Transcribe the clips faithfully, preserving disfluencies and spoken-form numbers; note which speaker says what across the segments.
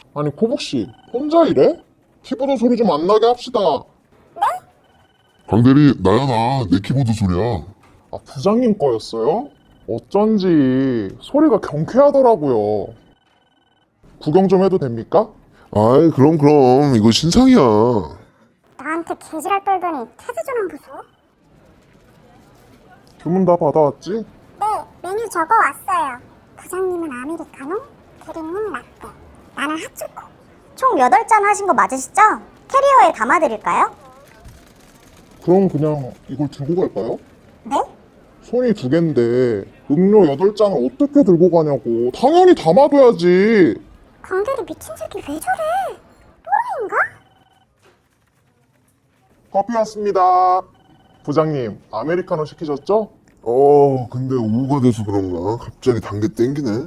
Speaker 1: 아니 코복씨 혼자 이래? 키보드 소리 좀 안 나게 합시다.
Speaker 2: 강대리, 나야 나. 내 키보드 소리야.
Speaker 1: 아 부장님 거였어요? 어쩐지 소리가 경쾌하더라고요. 구경 좀 해도 됩니까?
Speaker 2: 아이, 그럼 그럼. 이거 신상이야.
Speaker 3: 나한테 개지랄 떨더니 태세 좀 보소.
Speaker 1: 주문 다 받아왔지?
Speaker 3: 네, 메뉴 적어 왔어요. 부장님은 아메리카노, 대리님 라떼, 나는 핫초코. 총 여덟 잔 하신 거 맞으시죠? 캐리어에 담아드릴까요?
Speaker 1: 그럼 그냥 이걸 들고 갈까요?
Speaker 3: 네?
Speaker 1: 손이 두 갠데 음료 여덟 잔을 어떻게 들고 가냐고. 당연히 담아둬야지.
Speaker 3: 강대리 미친 새끼 왜 저래? 또라이인가?
Speaker 1: 커피 왔습니다. 부장님 아메리카노 시키셨죠?
Speaker 2: 어, 근데 오후가 돼서 그런가? 갑자기 단계 땡기네.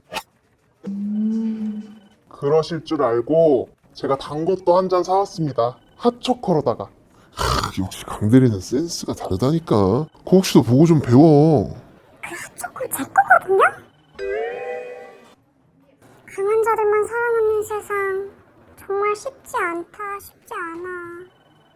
Speaker 1: 그러실 줄 알고 제가 단 것도 한 잔 사왔습니다. 핫초코로다가.
Speaker 2: 크, 역시 강대리는 센스가 다르다니까. 코옥씨도 보고 좀 배워.
Speaker 3: 그 핫초코 제 거거든요? 강한 자들만 사랑하는 세상 정말 쉽지 않다, 쉽지 않아.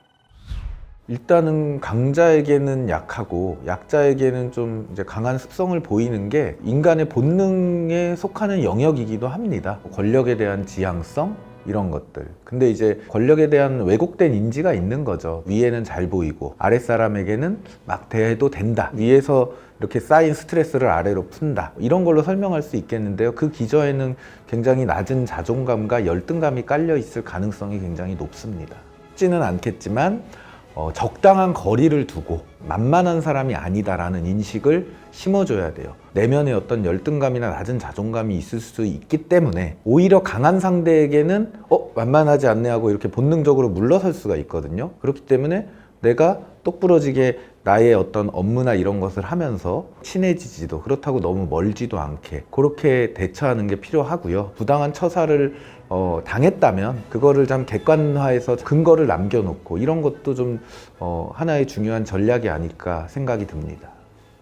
Speaker 4: 일단은 강자에게는 약하고 약자에게는 좀 이제 강한 습성을 보이는 게 인간의 본능에 속하는 영역이기도 합니다. 권력에 대한 지향성 이런 것들. 근데 이제 권력에 대한 왜곡된 인지가 있는 거죠. 위에는 잘 보이고 아랫사람에게는 막 대해도 된다. 위에서 이렇게 쌓인 스트레스를 아래로 푼다. 이런 걸로 설명할 수 있겠는데요. 그 기저에는 굉장히 낮은 자존감과 열등감이 깔려 있을 가능성이 굉장히 높습니다. 쉽지는 않겠지만 어, 적당한 거리를 두고 만만한 사람이 아니다라는 인식을 심어줘야 돼요. 내면에 어떤 열등감이나 낮은 자존감이 있을 수 있기 때문에 오히려 강한 상대에게는 어? 만만하지 않네 하고 이렇게 본능적으로 물러설 수가 있거든요. 그렇기 때문에 내가 똑부러지게 나의 어떤 업무나 이런 것을 하면서 친해지지도 그렇다고 너무 멀지도 않게 그렇게 대처하는 게 필요하고요. 부당한 처사를 어, 당했다면 그거를 좀 객관화해서 근거를 남겨놓고 이런 것도 좀 어, 하나의 중요한 전략이 아닐까 생각이 듭니다.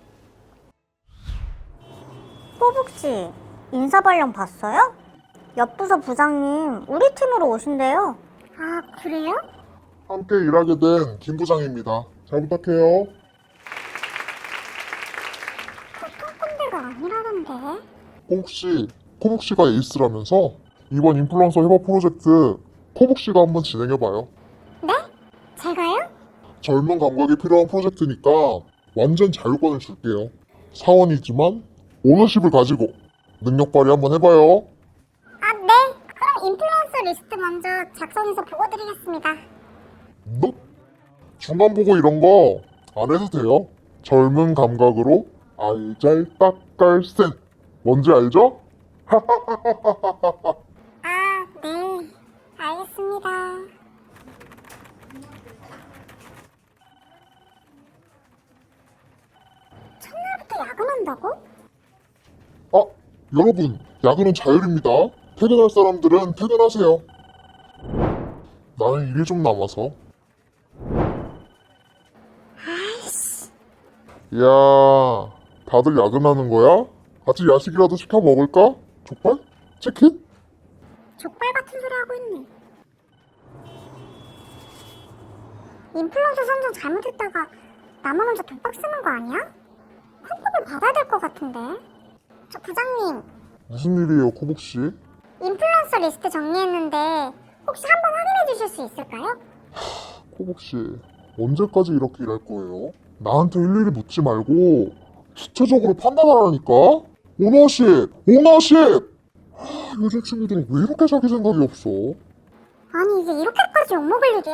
Speaker 3: 꼬북씨, 인사발령 봤어요? 옆부서 부장님 우리 팀으로 오신대요. 아, 그래요?
Speaker 1: 함께 일하게 된 김 부장입니다. 잘 부탁해요.
Speaker 3: 보통 꼰대가 아니라던데.
Speaker 1: 코복씨, 코복씨가 에이스라면서 이번 인플루언서 협업 프로젝트 코복씨가 한번 진행해봐요.
Speaker 3: 네? 제가요?
Speaker 1: 젊은 감각이 필요한 프로젝트니까 완전 자유권을 줄게요. 사원이지만 오너십을 가지고 능력 발휘 한번 해봐요.
Speaker 3: 아, 네. 그럼 인플루언서 리스트 먼저 작성해서 보고 드리겠습니다.
Speaker 1: 너 중간 보고 이런 거 안 해도 돼요. 젊은 감각으로 알잘딱깔센 뭔지 알죠?
Speaker 3: 아, 네. 알겠습니다. 첫날부터 야근한다고?
Speaker 1: 아, 여러분, 야근은 자율입니다. 퇴근할 사람들은 퇴근하세요. 나는 일이 좀 남아서. 야, 다들 야근하는 거야? 같이 야식이라도 시켜 먹을까? 족발? 치킨?
Speaker 3: 족발 같은 소리 하고 있네. 인플루언서 선정 잘못했다가 나만 혼자 독박 쓰는 거 아니야? 환급을 받아야 될 것 같은데. 저 부장님,
Speaker 1: 무슨 일이에요, 코복씨?
Speaker 3: 인플루언서 리스트 정리했는데 혹시 한번 확인해 주실 수 있을까요?
Speaker 1: 코복씨, 언제까지 이렇게 일할 거예요? 나한테 일일이 묻지 말고 주체적으로 판단하라니까? 오너십! 오너십! 하, 요즘 친구들은 왜 이렇게 자기 생각이 없어?
Speaker 3: 아니 이게 이렇게까지 욕먹을 일이야?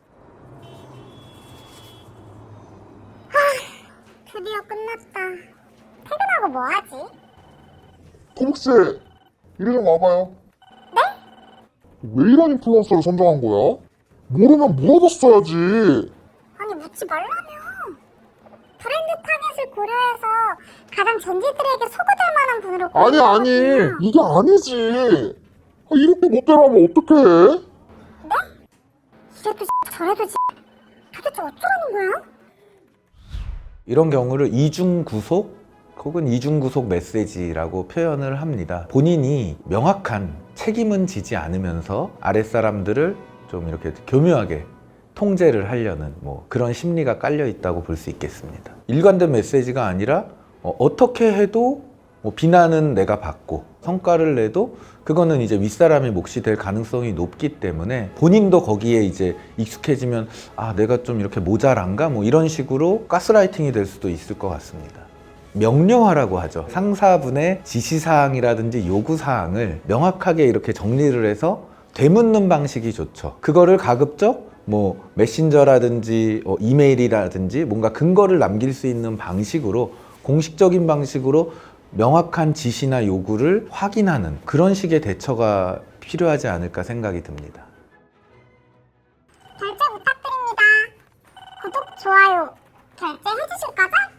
Speaker 3: 하, 드디어 끝났다. 퇴근하고 뭐 하지?
Speaker 1: 코복씨! 이리 좀 와봐요. 네? 왜 이런 인플루언서를 선정한 거야? 모르면 물어봤어야지.
Speaker 3: 아니 묻지 말라며. 브랜드 타겟을 고려해서 가장 젠지들에게 소구될 만한 분으로
Speaker 1: 아니 아니
Speaker 3: 고르거든요.
Speaker 1: 이게 아니지. 아, 이렇게 못대로 하면 어떡해?
Speaker 3: 이래도 저래도 도대체 어쩌라는 거야?
Speaker 4: 이런 경우를 이중 구속 혹은 이중 구속 메시지라고 표현을 합니다. 본인이 명확한 책임은 지지 않으면서 아랫사람들을 좀 이렇게 교묘하게 통제를 하려는 뭐 그런 심리가 깔려 있다고 볼 수 있겠습니다. 일관된 메시지가 아니라 어, 어떻게 해도 뭐 비난은 내가 받고 성과를 내도 그거는 이제 윗사람의 몫이 될 가능성이 높기 때문에 본인도 거기에 이제 익숙해지면 아 내가 좀 이렇게 모자란가 뭐 이런 식으로 가스라이팅이 될 수도 있을 것 같습니다. 명료하라고 하죠. 상사분의 지시사항이라든지 요구사항을 명확하게 이렇게 정리를 해서 되묻는 방식이 좋죠. 그거를 가급적 뭐 메신저라든지 어, 이메일이라든지 뭔가 근거를 남길 수 있는 방식으로 공식적인 방식으로 명확한 지시나 요구를 확인하는 그런 식의 대처가 필요하지 않을까 생각이 듭니다.
Speaker 3: 결제 부탁드립니다. 구독, 좋아요, 결제해 주실 거죠?